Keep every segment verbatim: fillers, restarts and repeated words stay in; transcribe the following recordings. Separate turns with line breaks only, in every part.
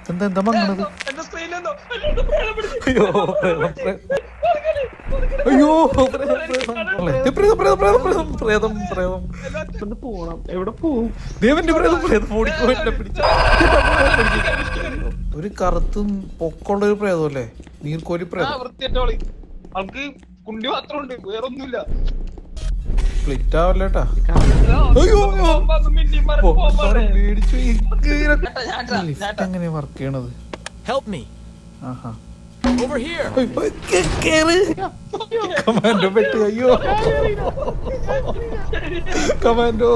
എന്താ എന്താ മങ്ങണത്? അയ്യോ അയ്യോ പ്രേതം പ്രേതം
പോണം. എവിടെ പോവും?
ദേവന്റെ പ്രേതം പ്രേതം ഓടിക്കോ എന്നെ പിടിച്ച. ഒരു കറുത്തും പൊക്കമുള്ള ഒരു പ്രേതം അല്ലേ? നീർക്കോലി പ്രേതം.
കുണ്ടി മാത്രമുണ്ട്, വേറൊന്നുമില്ല.
സ്പ്ലിറ്റ് ആവല്ലേട്ടാ. മേടിച്ചു. എങ്ങനെയാ വർക്ക് ചെയ്യണത്? ആഹാ കമാൻഡോ പെട്ട്. അയ്യോ കമാൻഡോ.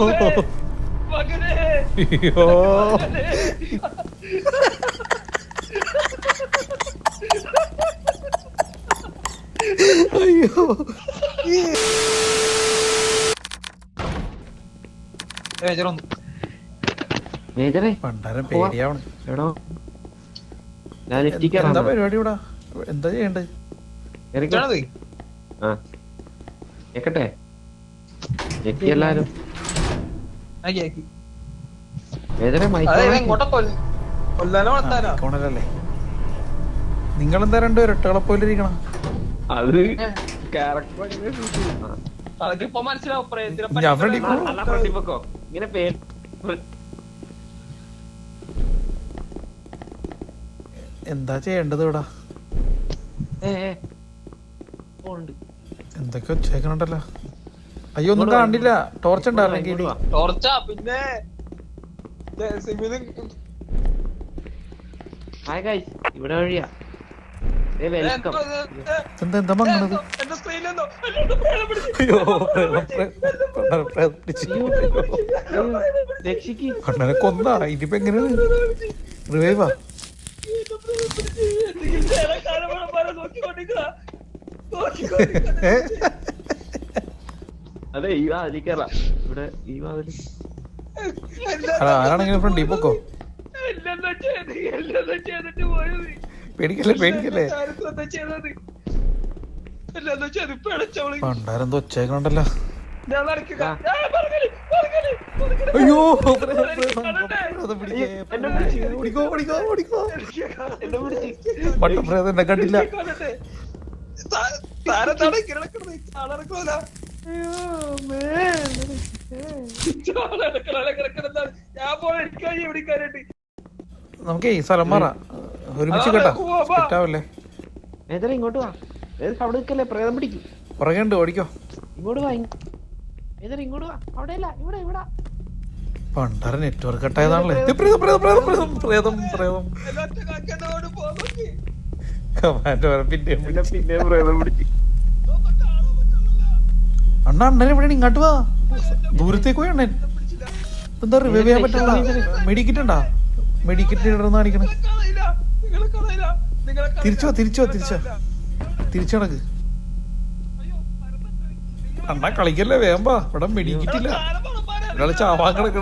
അയ്യോ അയ്യോ പണ്ടാരം പേടിയാവണം. എന്താ പരിപാടി ഇവിടെ? എന്താ ചെയ്യണ്ടേ?
എല്ലാരും
ല്ലേ? നിങ്ങളെന്താ രണ്ട് ഇരട്ടകളെ പോലെ ഇരിക്കണം?
അത് ഇങ്ങനെ പേര്
എന്താ ചെയ്യേണ്ടത് ഇവിടെ? എന്തൊക്കെ വെച്ചേക്കണുണ്ടല്ലോ. അയ്യോ ഒന്നും കാണില്ല. ടോർച്ച് ഉണ്ടായിരുന്നെങ്കിൽ.
ടോർച്ചാ പിന്നെ
ഇവിടെ വഴിയാ.
എന്താ എന്താ മങ്ങണത്? അയ്യോ അണ്ണനെ കൊന്നാ. ഇനിയിപ്പോ എങ്ങനെയാണ് റിവൈവാ?
അതെ ഈ വാതിൽ കേറാം. ഇവിടെ ഈ വാതിൽ
ആരാണെങ്കിലും ഫ്രണ്ട് ഈ പൊക്കോ. പേടിക്കല്ലേ പേടിക്കല്ലേ. പണ്ടാരെന്തോ ഒച്ചേക്കണുണ്ടല്ലോ. അയ്യോ മട്ടപ്രേതം എന്നെ കണ്ടില്ല. നമുക്കേ സ്ഥലം മാറാ. ഒരുമിച്ച് കേട്ടാ സെറ്റാവല്ലേ?
ഇങ്ങോട്ട് വാ. അവിടെ നിൽക്കല്ലേ, പ്രേതം പിടിക്കും.
പുറകെ ഉണ്ട്, ഓടിക്കോ.
ഇങ്ങോട്ട് വാ ഇങ്ങോട്ട് വാ. അവിടെ അല്ല, ഇവിടെ ഇവിടെ.
പണ്ടാര നെറ്റ്വർക്ക് കട്ടായതാണല്ലേ. പ്രേതം പ്രേതം പ്രേതം പ്രേതം പ്രേതം പ്രേതം കമാൻഡോ പിന്നെ
പിന്നെ പ്രേതം പിടിച്ചു.
അണ്ണ അണ്ണൻ എവിടെയാണ്? ഇങ്ങോട്ട് വാ. ദൂരത്തേക്ക് പോയി അണ്ണൻ. എന്താ റിവൈവ് ചെയ്യാൻ പറ്റില്ല? മെഡിക്കറ്റ് ഉണ്ടാ? മെഡിക്കറ്റ് ഇടന്ന് കാണിക്കണ. തിരിച്ചോ തിരിച്ചോ തിരിച്ചോ തിരിച്ചു നടക്ക്. അണ്ണ കളിക്കല്ലേ, വേമ്പാ. ഇവിടെ മെഡിക്കറ്റില്ല. ഒരാള് ചാവാൻ കിടക്കണ്.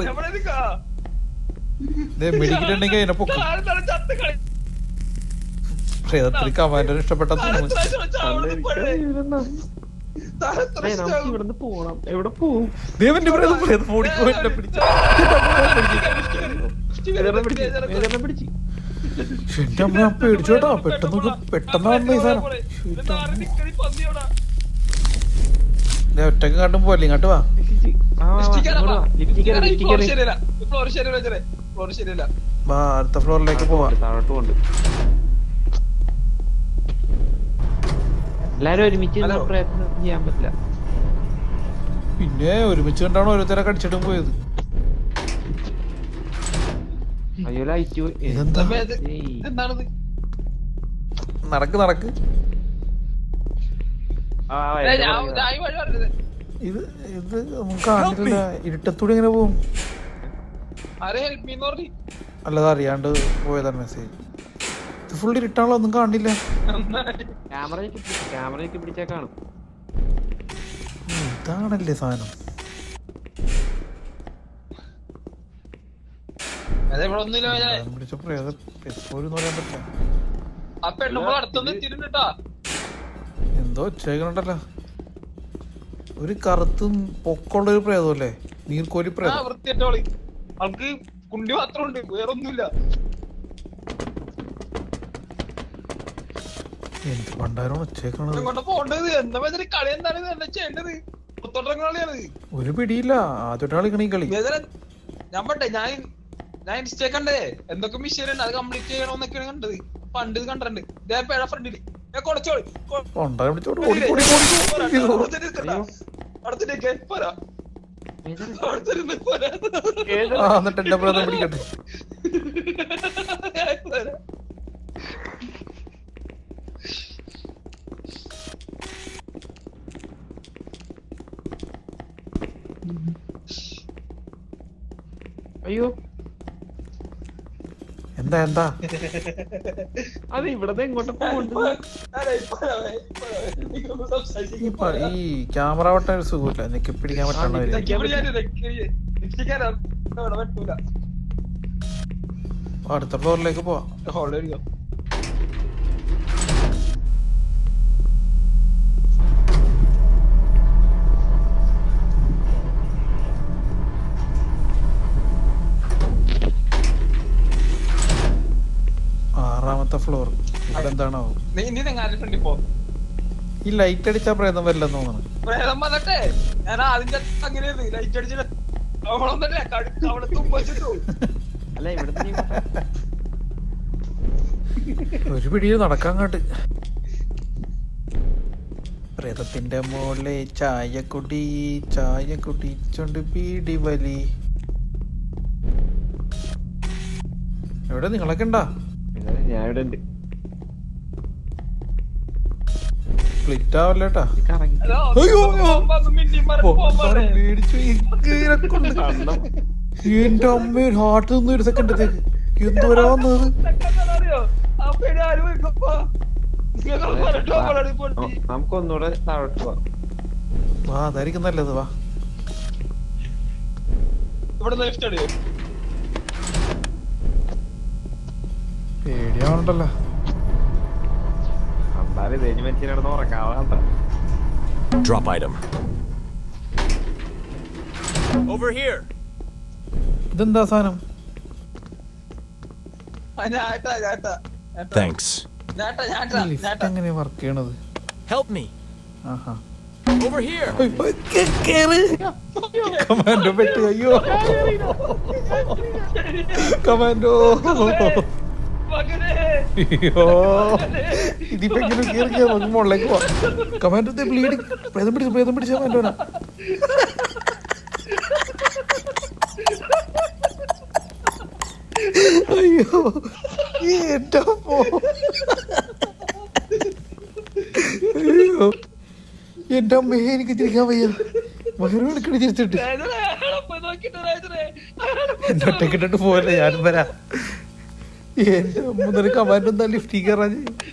മെഡിക്കറ്റ് ഉണ്ടെങ്കിൽ അതിനെ പൊക്കും. പ്രേതത്തിൽ കമാൻഡർ ഇഷ്ടപ്പെട്ട
ഇവിടുന്ന് പോണം. എവിടെ പോവും?
ദേവന്റെ പ്രേതം പ്രേതം ഓടിക്കോ എന്നെ പിടിച്ച. എന്റെ അമ്മ പേടിച്ചോട്ടാ. പെട്ടെന്ന് പെട്ടെന്ന് ഈ സാധനം ഒറ്റക്ക് കാട്ടും പോലെ. ഇങ്ങോട്ട് വാ. വാ അടുത്ത ഫ്ലോറിലേക്ക് പോവാ.
എല്ലാരും ഒരുമിച്ച് പ്രയത്നം ചെയ്യാൻ പറ്റില്ല.
പിന്നെ ഒരുമിച്ച് കണ്ടാണ് ഓരോരുത്തരെ കടിച്ചിട്ടും പോയത്.
അയ്യോ ലൈറ്റ്
നടക്ക് നടക്ക്. ഇത് ഇത് നമുക്ക് കാണില്ല. ഇരുട്ടത്തൂടെ ഇങ്ങനെ പോവും. അല്ലത് അറിയാണ്ട് പോയതാണ് മെസ്സേജ്. ഇത് ഫുൾ ഇരുട്ടാണല്ലോ, ഒന്നും കാണില്ല.
ക്യാമറയ്ക്ക് ക്യാമറയ്ക്ക് പിടിച്ചാ കാണും.
ഇതാണല്ലേ സാധനം. പിടിച്ച പ്രേതം എപ്പോഴും പറയാൻ പറ്റില്ല. എന്തോ ചെയ്യണുണ്ടല്ലോ. ഒരു കറുത്തും പൊക്കമുള്ള ഒരു പ്രേതം അല്ലേ? നീർക്കോലി പ്രേതം.
കുണ്ടി മാത്രമുണ്ട്, വേറൊന്നുമില്ല.
എന്ത് പണ്ടാരം ഒച്ചേക്കണത്.
ഇങ്ങോട്ട് പോണ്ടത് എന്താ വെച്ചാൽ കളി എന്താണ് എന്താ ചെയ്യേണ്ടത്? പുത്തോട്ടം കളിയാണ്
ഒരു പിടിയില്ല. ആദ്യമായിട്ട് കളിക്കണ ഈ കളി.
ഞാൻ പറ്റേ ഞാൻ ഞാൻ ഇൻസ്റ്റേ കണ്ടേ എന്തൊക്കെ മിഷീൻ ഉണ്ട് അത് കംപ്ലീറ്റ് ചെയ്യണമെന്നൊക്കെയാണ് കണ്ടത്. പണ്ട് ഇത് കണ്ടിട്ടുണ്ട് ഇതേ പേഴ ഫ്രണ്ടില് കൊടച്ചോളി
പണ്ടാരം പിടിച്ചോട്ട് ഓടി ഓടി ഓടി.
അടുത്തിട്ടേക്ക് പോരാ അടുത്തിരുന്ന് പോരാ
ആ എന്നിട്ട് എന്റെ ബ്രദർ പിടിക്കട്ടെ.
പോരാ
അയ്യോ
എന്താ എന്താ
അത് ഇവിടത്തെ ഇങ്ങോട്ട്
ഈ പ- ഈ ക്യാമറ വട്ട ഒരു സുഖമില്ല. എനിക്ക് പിടിക്കാൻ പറ്റണവര്. അടുത്ത ഫ്ലോറിലേക്ക് പോവാം. ആറാമത്തെ ഫ്ലോർ. ഇവിടെ എന്താണോ ഈ ലൈറ്റ് അടിച്ചാ പ്രേതം വരില്ലെന്ന് തോന്നുന്നു.
പ്രേതം വന്നിട്ടേ ഞാൻ അതിന്റെ അങ്ങനെയായിരുന്നു ലൈറ്റ് അടിച്ചിട്ട് അവിടെ വന്നിട്ടേ കടുക്ക അവിടെ തുമ്പിച്ചിട്ടു.
അല്ല ഇവിടുത്തെ
ഒരു പിടിയിൽ നടക്കാൻ കാട്ട്. പ്രേതത്തിന്റെ മോളെ ചായ കുടി ചായ കുടിച്ചോണ്ട് പീടി വലി. എവിടെ നിങ്ങളൊക്കെ ഉണ്ടാ?
ഞാൻ ഇവിടെ ഉണ്ട്.
സ്പ്ലിറ്റ് ആവല്ലേട്ടാ.
കറങ്ങി
അയ്യോ
കണ്ണം
മേടിച്ചു. എന്റെ അമ്മ ഹാർട്ട് നിന്ന് ഒരു സെക്കൻഡത്തേക്ക് എന്തോരാ വന്നത്.
നമുക്കൊന്നുകൂടെ താഴോട്ട് പോവാം.
വാ അതായിരിക്കും നല്ലത്. വാ
ഇവിടെ ലെഫ്റ്റ് അടിയോ
പേടിയാവണ്ടല്ലോ.
അന്നാലും തേഞ്ഞ് മനുഷ്യനടന്ന് ഉറക്കാവാണ്ട.
Drop item. Over here.
ഇതെന്താ സാധനം?
ഞാട്ടാ ഞാട്ടാ
Thanks.
ഞാട്ടാ ഞാട്ടാ
ലിഫ്റ്റ്
ഞാട്ടാ
എങ്ങനെയാ വർക്ക് ചെയ്യണത്?
Help me.
ആഹാ.
Over here.
കമാൻഡോ പെട്ട്. അയ്യോ കമാൻഡോ.
മകനെ
അയ്യോ ഇതിപ്പോ എങ്ങനെ കേറിയാ നമുക്ക് മുകളിലേക്ക് പോവാം. Commando bleeding. പ്രേതം പിടിച്ചു പ്രേതം പിടിച്ച കമാൻഡോനാ. അയ്യോ എന്റെ അമ്മോ. അയ്യോ എന്റെ അമ്മയെ എനിക്ക് തിരിക്കാൻ വയ്യ. വയറും എടുക്കണി തിരിച്ചിട്ട് എന്റെ ഒറ്റക്കിട്ടിട്ട് പോവല്ലേ. ഞാനും വരാം. എന്റെ മുതൽ കമാൻഡ് എന്താ ലിഫ്റ്റിൽ കയറാൻ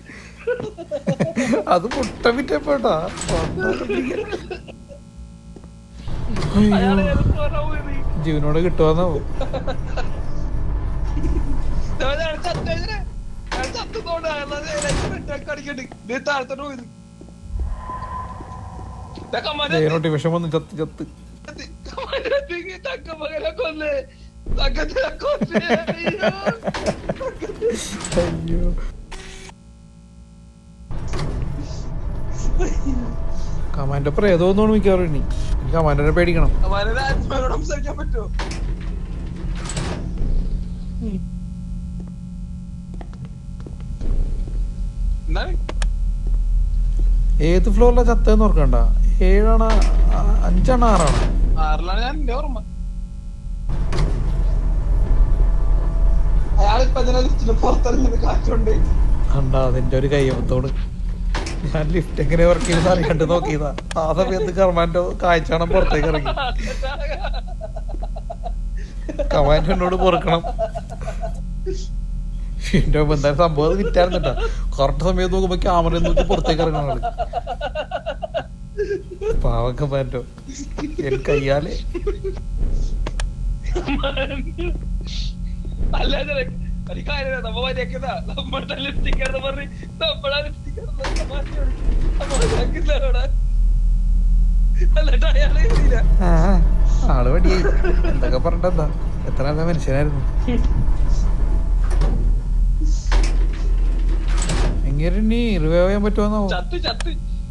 അത് മുട്ട വിറ്റപ്പോട്ടാ. ജീവനോട് കിട്ടുവാന്നാവോ? ജീവനോട്ട് വിഷം വന്ന് ചത്ത് ചത്ത്. അയ്യോ കമാൻഡോ പ്രേതോന്നാണ് മിക്കവാറും. ഇനി കമാൻഡോനെ പേടിക്കണം.
സംസാരിക്കാൻ പറ്റുമോ?
ഏത് ഫ്ലോറിലാ ചത്തേന്ന് ഓർക്കണ്ട. ഏഴാണ് അഞ്ചാണ് ആറാണ്?
ആറിലാണ് ഞാൻ എന്റെ ഓർമ്മ. അയാളിപ്പോ അതിനെ പുറത്തിറങ്ങിയത് കാറ്റുണ്ട്.
കണ്ടാ അതിന്റെ ഒരു കയ്യപ്പത്തോട്. ഞാൻ ലിഫ്റ്റ് എങ്ങനെ വർക്ക് ചെയ്യുന്ന അറിയാണ്ട് നോക്കിയതാ. ആ സമയത്ത് കമാൻഡോ കാഴ്ചാണം പുറത്തേക്ക് ഇറങ്ങി. കമാൻഡോ എന്നോട് പൊറുക്കണം. എന്റെ എന്തായാലും സംഭവം അത് വിറ്റായിരുന്നിട്ടാ. കറക്റ്റ് സമയത്ത് നോക്കുമ്പോ ക്യാമറ നോക്കി പുറത്തേക്ക് ഇറങ്ങണ ആള്. പാവം കമാൻഡോ. എൻ കയ്യാലെ
അല്ലാതെ നമ്മ മര്യാദ നമ്മുടെ ലിപ്സ്റ്റിക്കാരെന്ന് പറഞ്ഞ് നമ്മളാ ലിപ്സ്റ്റിക്കാരോടാ എന്നിട്ട് അയാളെ ഇല്ല.
ആ ആള് പടിയായി. എന്തൊക്കെ പറഞ്ഞിട്ടെന്താ. എത്ര നല്ല മനുഷ്യനായിരുന്നു. ഇങ്ങനെ നീ റിവൈവ് ചെയ്യാൻ പറ്റുമെന്നോ?
ചത്ത് ചത്ത്.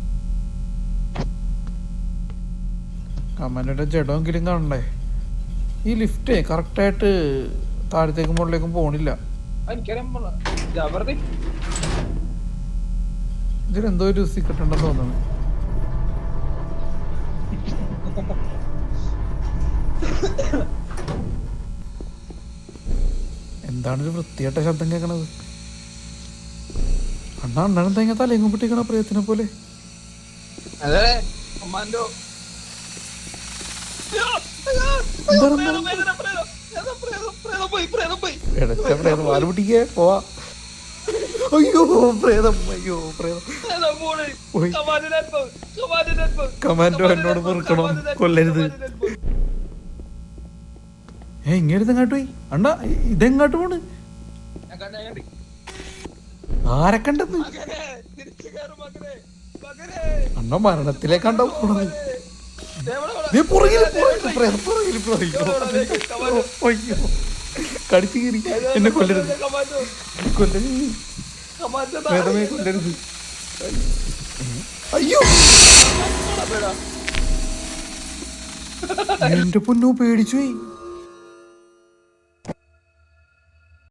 കമാൻഡോയുടെ ജഡമെങ്കിലും കാണണ്ടേ? ഈ ലിഫ്റ്റ് കറക്റ്റായിട്ട് താഴത്തേക്കും മുകളിലേക്കും പോണില്ല.
എനിക്കറിയാൻ ജബർദി
ഇതിലെന്തോ ഒരു സീക്രട്ട് ഉണ്ടെന്ന് തോന്നുന്നു. എന്താണൊരു വൃത്തിയായിട്ട ശബ്ദം കേൾക്കണത്? അണ്ണാ അണ്ണനും തേങ്ങ തലയെങ്ങും പൊട്ടിക്കണ പ്രിയത്തിനെ പോലെ.
അതെ കമാൻഡോ.
വാല് പൊട്ടിക്കേ പോവാ. അയ്യോ പ്രേതം, അയ്യോ പ്രേതം. കമാൻഡോ എന്നോട് പൊറുക്കണം, കൊല്ലരുത്. ഏ ഇങ്ങനെ ഇതെങ്ങാട്ട് പോയി അണ്ണാ? ഇതെങ്ങാട്ട് പോണ്? ആരെ കണ്ടെന്ന്? അണ്ണ മരണത്തിലേക്കാണ്ടോ പോണത്? കടിച്ചു കീറി എന്നെ കൊല്ലരുത്, കൊല്ലരുത്, പ്രേതമേ കൊല്ലരുത്. അയ്യോ എന്റെ പൊന്നോ പേടിച്ചു പോയി.